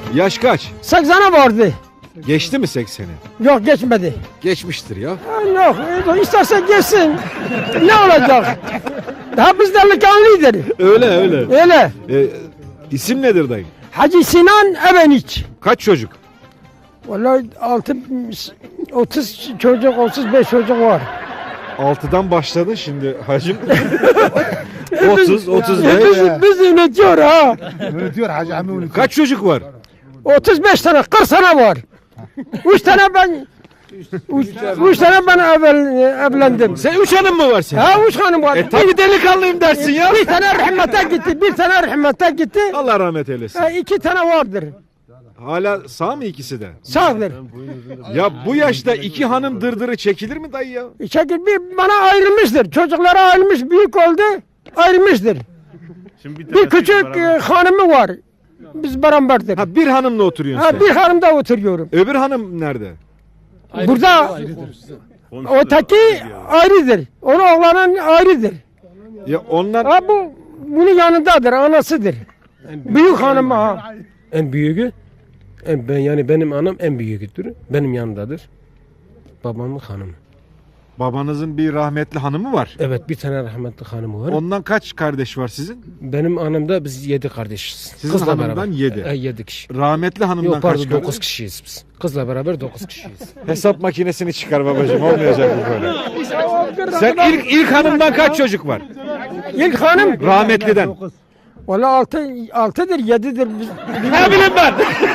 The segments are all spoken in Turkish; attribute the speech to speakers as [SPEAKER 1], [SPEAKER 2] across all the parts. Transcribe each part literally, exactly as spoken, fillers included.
[SPEAKER 1] Yaş kaç?
[SPEAKER 2] seksene vardı.
[SPEAKER 1] Geçti mi sekseni?
[SPEAKER 2] Yok geçmedi.
[SPEAKER 1] Geçmiştir ya.
[SPEAKER 2] Ha, yok e, isterse geçsin. Ne olacak? Daha biz delikanlıdır.
[SPEAKER 1] Öyle öyle.
[SPEAKER 2] Öyle.
[SPEAKER 1] E, isim nedir dayı?
[SPEAKER 2] Hacı Sinan Ebeniç.
[SPEAKER 1] Kaç çocuk?
[SPEAKER 2] Vallahi altı, otuz çocuk, otuz beş çocuk var.
[SPEAKER 1] Altıdan başladın şimdi hacım. otuz, otuz beş.
[SPEAKER 2] Biz, biz ünetiyor ha.
[SPEAKER 3] Ünetiyor Hacı Ami ünetiyor.
[SPEAKER 1] Kaç çocuk var?
[SPEAKER 2] otuz beş tane, kırk tane var. Üç tane ben, üç, üç tane ben evvel, evlendim.
[SPEAKER 1] Sen üç hanım mı var senin?
[SPEAKER 2] Ha üç hanım var.
[SPEAKER 1] E tabi delikanlıyım dersin ya.
[SPEAKER 2] Bir tane rahmete gitti, bir tane rahmete gitti.
[SPEAKER 1] Allah rahmet eylesin.
[SPEAKER 2] Ha, iki tane vardır.
[SPEAKER 1] Hala sağ mı ikisi de?
[SPEAKER 2] Sağdır.
[SPEAKER 1] Ya bu yaşta iki hanım dırdırı çekilir mi dayı ya?
[SPEAKER 2] Çekil bir bana ayrılmıştır. Çocuklara ayrılmış, büyük oldu, ayrılmıştır. Bir küçük e, hanımı var. Biz beraberdir.
[SPEAKER 1] Ha bir hanımla oturuyorsun
[SPEAKER 2] Ha,
[SPEAKER 1] sen.
[SPEAKER 2] bir hanımda oturuyorum.
[SPEAKER 1] Öbür hanım nerede?
[SPEAKER 2] Burada öteki ayrıdır. Onun oğlanın ayrıdır.
[SPEAKER 1] Ya onlar
[SPEAKER 2] Ha bu bunun yanındadır, anasıdır. Büyük hanım ha.
[SPEAKER 4] En büyüğü, en, ben yani benim anam en büyüğüdür. Benim yanındadır. Babamın hanımı.
[SPEAKER 1] babanızın bir rahmetli hanımı var.
[SPEAKER 4] Evet, bir tane rahmetli hanımı var.
[SPEAKER 1] Ondan kaç kardeş var sizin?
[SPEAKER 4] Benim anamda biz yedi kardeşiz.
[SPEAKER 1] Sizin hanımdan yedi.
[SPEAKER 4] E, yedi kişi.
[SPEAKER 1] Rahmetli hanımdan
[SPEAKER 4] Yok
[SPEAKER 1] kaç
[SPEAKER 4] pardon
[SPEAKER 1] kardeş?
[SPEAKER 4] dokuz kişiyiz biz. Kızla beraber dokuz kişiyiz.
[SPEAKER 1] Hesap makinesini çıkar babacığım, olmayacak bu böyle. Sen ilk ilk hanımdan kaç çocuk var?
[SPEAKER 2] İlk hanım
[SPEAKER 1] Rahmetliden.
[SPEAKER 2] valla altı, altıdır, yedidir. Biz,
[SPEAKER 1] Ne bileyim ben.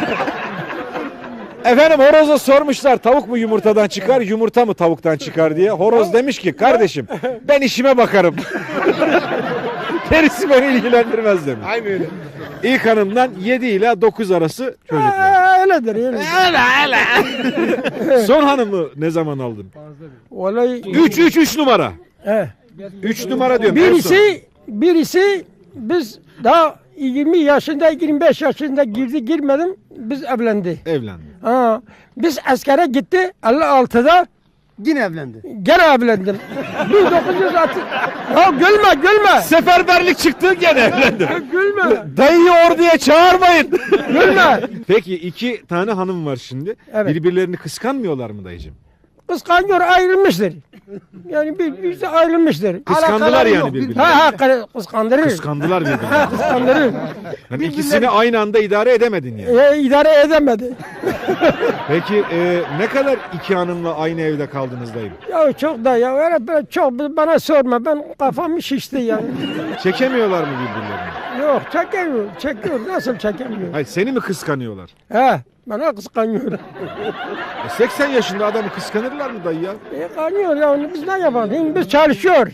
[SPEAKER 1] Efendim horoza sormuşlar tavuk mu yumurtadan çıkar, yumurta mı tavuktan çıkar diye. Horoz demiş ki kardeşim ben işime bakarım. Gerisi beni ilgilendirmez demiş.
[SPEAKER 3] Aynı öyle.
[SPEAKER 1] İlk hanımdan yedi ile dokuz arası çocuk var.
[SPEAKER 2] Ha, öyledir, öyledir.
[SPEAKER 1] Son hanımı ne zaman aldın?
[SPEAKER 2] Vallahi
[SPEAKER 1] üç üç üç numara.
[SPEAKER 2] he.
[SPEAKER 1] üç numara diyorum. en son.
[SPEAKER 2] Birisi, birisi biz daha yirmi yaşında, yirmi beş yaşında girdi, girmedim, biz evlendi.
[SPEAKER 1] Evlendi.
[SPEAKER 2] Ha, biz askere gitti, elli altıda
[SPEAKER 3] Yine evlendi.
[SPEAKER 2] gene evlendim. bin dokuz yüz altmış. Ya gülme, gülme.
[SPEAKER 1] Seferberlik çıktı gene evlendi.
[SPEAKER 2] Gülme,
[SPEAKER 1] Dayıyı orduya çağırmayın.
[SPEAKER 2] gülme.
[SPEAKER 1] Peki iki tane hanım var şimdi.
[SPEAKER 2] Evet.
[SPEAKER 1] Birbirlerini kıskanmıyorlar mı dayıcığım?
[SPEAKER 2] Kıskanıyor, ayrılmıştır. Yani bir, birisi ayrılmıştır.
[SPEAKER 1] Kıskandılar
[SPEAKER 3] Alakaları
[SPEAKER 1] yani
[SPEAKER 3] yok,
[SPEAKER 1] birbirlerini.
[SPEAKER 2] Ha ha, kı- kıskandırır.
[SPEAKER 1] Kıskandılar birbirlerini.
[SPEAKER 2] Ha, kıskandırır.
[SPEAKER 1] Yani ikisini aynı anda idare edemedin yani.
[SPEAKER 2] E, idare edemedi.
[SPEAKER 1] Peki e, ne kadar iki hanımla aynı evde kaldınız dayım?
[SPEAKER 2] Ya çok da ya öyle böyle çok bana sorma, ben kafam şişti yani.
[SPEAKER 1] Çekemiyorlar mı birbirlerini?
[SPEAKER 2] Yok çekemiyor, çekiyor, nasıl çekemiyor?
[SPEAKER 1] Hayır seni mi kıskanıyorlar?
[SPEAKER 2] He, bana kıskanıyor.
[SPEAKER 1] E, seksen yaşında adamı kıskanırlar mı dayı ya?
[SPEAKER 2] E, kanıyor ya, biz ne yapalım? Biz çalışıyor.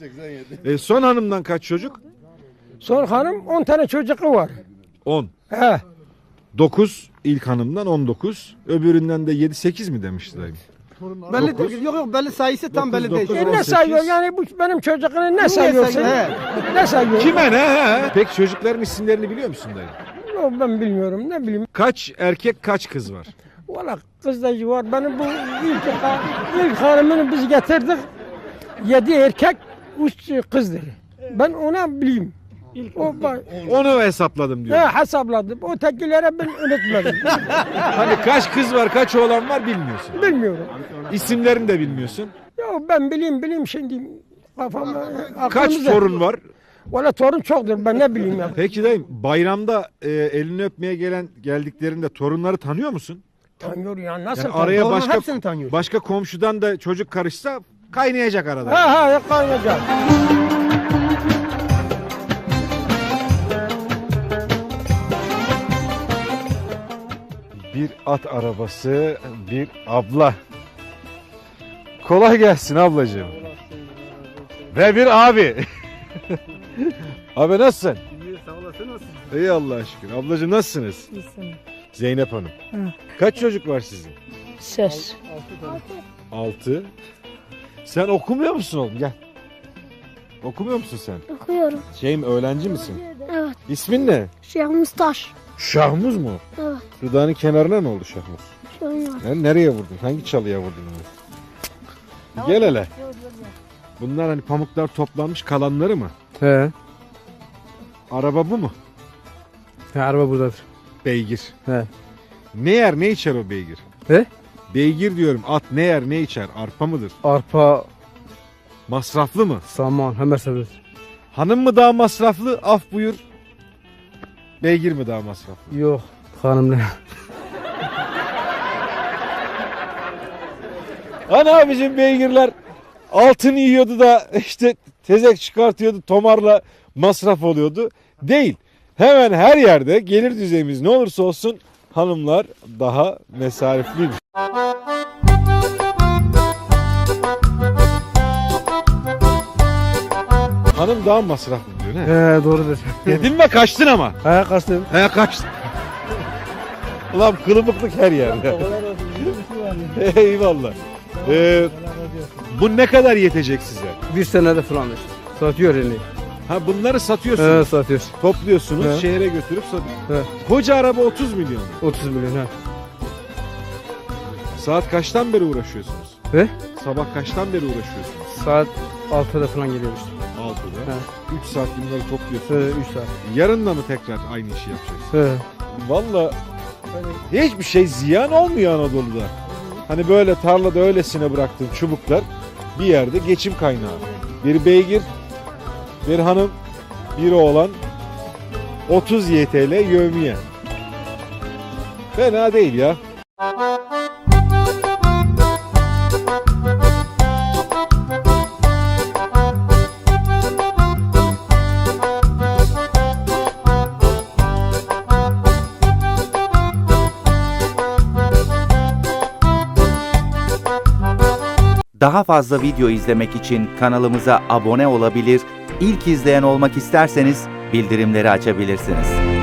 [SPEAKER 1] E, son hanımdan kaç çocuk?
[SPEAKER 2] Son hanım on tane çocuğu var.
[SPEAKER 1] on.
[SPEAKER 2] He,
[SPEAKER 1] dokuz ilk hanımdan on dokuz. Öbüründen de yedi sekiz mi demişti dayım?
[SPEAKER 3] Belli değil. Yok yok belli sayısı tam belli değil.
[SPEAKER 1] dokuz,
[SPEAKER 2] e,
[SPEAKER 1] on
[SPEAKER 2] ne
[SPEAKER 1] sekiz.
[SPEAKER 2] sayıyor yani bu benim çocuğunu ne sayıyorsun?
[SPEAKER 3] sayıyor, he.
[SPEAKER 2] Ne sayıyor?
[SPEAKER 1] Kime ne? He? Peki çocukların isimlerini biliyor musun dayı?
[SPEAKER 2] Yok, ben bilmiyorum, ne bileyim.
[SPEAKER 1] Kaç erkek kaç kız var?
[SPEAKER 2] Valla kız da var. Benim bu ilk, ilk hanımını biz getirdik. Yedi erkek, üç kızdır. Ben ona bileyim. O,
[SPEAKER 1] Onu hesapladım
[SPEAKER 2] he,
[SPEAKER 1] diyor.
[SPEAKER 2] hesapladım. O tekilere ben unutmadım.
[SPEAKER 1] Hani kaç kız var kaç oğlan var bilmiyorsun.
[SPEAKER 2] Bilmiyorum.
[SPEAKER 1] İsimlerini de bilmiyorsun.
[SPEAKER 2] Ya ben bileyim bileyim şimdi kafamda.
[SPEAKER 1] Kaç
[SPEAKER 2] aklımda.
[SPEAKER 1] torun var?
[SPEAKER 2] Valla torun çoktur, ben ne bileyim ya.
[SPEAKER 1] Peki dayım bayramda e, elini öpmeye gelen geldiklerinde torunları tanıyor musun?
[SPEAKER 2] Tanıyor ya, nasıl
[SPEAKER 1] Yani
[SPEAKER 2] tanıyor?
[SPEAKER 1] araya
[SPEAKER 3] Torunun
[SPEAKER 1] başka
[SPEAKER 3] hepsini tanıyor.
[SPEAKER 1] başka komşudan da çocuk karışsa kaynayacak arada.
[SPEAKER 2] Ha ha, ya kaynayacak.
[SPEAKER 1] Bir at arabası, bir abla. Kolay gelsin ablacığım. Ve bir abi. Abi nasılsın?
[SPEAKER 3] İyi sağ olasın nasılsın?
[SPEAKER 1] İyi Allah'a şükür. Ablacığım nasılsınız? Zeynep Hanım. Kaç çocuk var sizin?
[SPEAKER 5] Ses.
[SPEAKER 1] Altı. Sen okumuyor musun oğlum? Gel. Okumuyor musun sen?
[SPEAKER 5] Okuyorum.
[SPEAKER 1] Şey mi, öğrenci misin?
[SPEAKER 5] Evet.
[SPEAKER 1] İsmin ne?
[SPEAKER 5] Şeyh Mustaş.
[SPEAKER 1] Şahmuz mu?
[SPEAKER 5] Evet.
[SPEAKER 1] Dudağının kenarına ne oldu Şahmuz?
[SPEAKER 5] Şey var.
[SPEAKER 1] Yani nereye vurdun? Hangi çalıya vurdun onu? Gel hele. Bunlar hani pamuklar toplanmış kalanları mı?
[SPEAKER 4] He.
[SPEAKER 1] Araba bu mu?
[SPEAKER 4] He, araba buradadır.
[SPEAKER 1] Beygir.
[SPEAKER 6] He.
[SPEAKER 1] Ne yer ne içer o beygir?
[SPEAKER 6] He?
[SPEAKER 1] Beygir diyorum. At ne yer ne içer? Arpa mıdır?
[SPEAKER 6] Arpa,
[SPEAKER 1] Masraflı mı?
[SPEAKER 6] saman, hemen seviyoruz.
[SPEAKER 1] Hanım mı daha masraflı? Af buyur. Beygir mi daha masraflı?
[SPEAKER 6] Yok, hanımla.
[SPEAKER 1] Ana bizim beygirler altın yiyordu da işte tezek çıkartıyordu, tomarla masraf oluyordu. Değil. Hemen her yerde gelir düzeyimiz ne olursa olsun hanımlar daha mesarifliymiş. Hanım daha masraflı diyor ne?
[SPEAKER 6] He, doğrudur.
[SPEAKER 1] Dedin mi kaçtın ama.
[SPEAKER 6] He, kaçtım.
[SPEAKER 1] He kaçtın. Ulan kılıbıklık her yerde. Eyvallah. Ee, bu ne kadar yetecek size?
[SPEAKER 6] Bir senede falan işte. Satıyor yani.
[SPEAKER 1] Ha bunları satıyorsunuz.
[SPEAKER 6] He, satıyor.
[SPEAKER 1] Topluyorsunuz,
[SPEAKER 6] He.
[SPEAKER 1] şehre götürüp satıyorsunuz.
[SPEAKER 6] He.
[SPEAKER 1] Koca araba otuz milyon.
[SPEAKER 6] otuz milyon he.
[SPEAKER 1] Saat kaçtan beri uğraşıyorsunuz?
[SPEAKER 6] He?
[SPEAKER 1] Sabah kaçtan beri uğraşıyorsunuz?
[SPEAKER 6] Saat altıda falan geliyor işte.
[SPEAKER 1] altıda.
[SPEAKER 6] He.
[SPEAKER 1] üç saat bunları topluyorsunuz.
[SPEAKER 6] He, üç saat.
[SPEAKER 1] Yarın da mı tekrar aynı işi yapacaksınız?
[SPEAKER 6] He.
[SPEAKER 1] Valla hani hiçbir şey ziyan olmuyor Anadolu'da. Hani böyle tarlada öylesine bıraktığın çubuklar bir yerde geçim kaynağı. Bir beygir, bir hanım, bir oğlan, otuz Y T L yevmiye. Fena değil ya.
[SPEAKER 7] Daha fazla video izlemek için kanalımıza abone olabilir, ilk izleyen olmak isterseniz bildirimleri açabilirsiniz.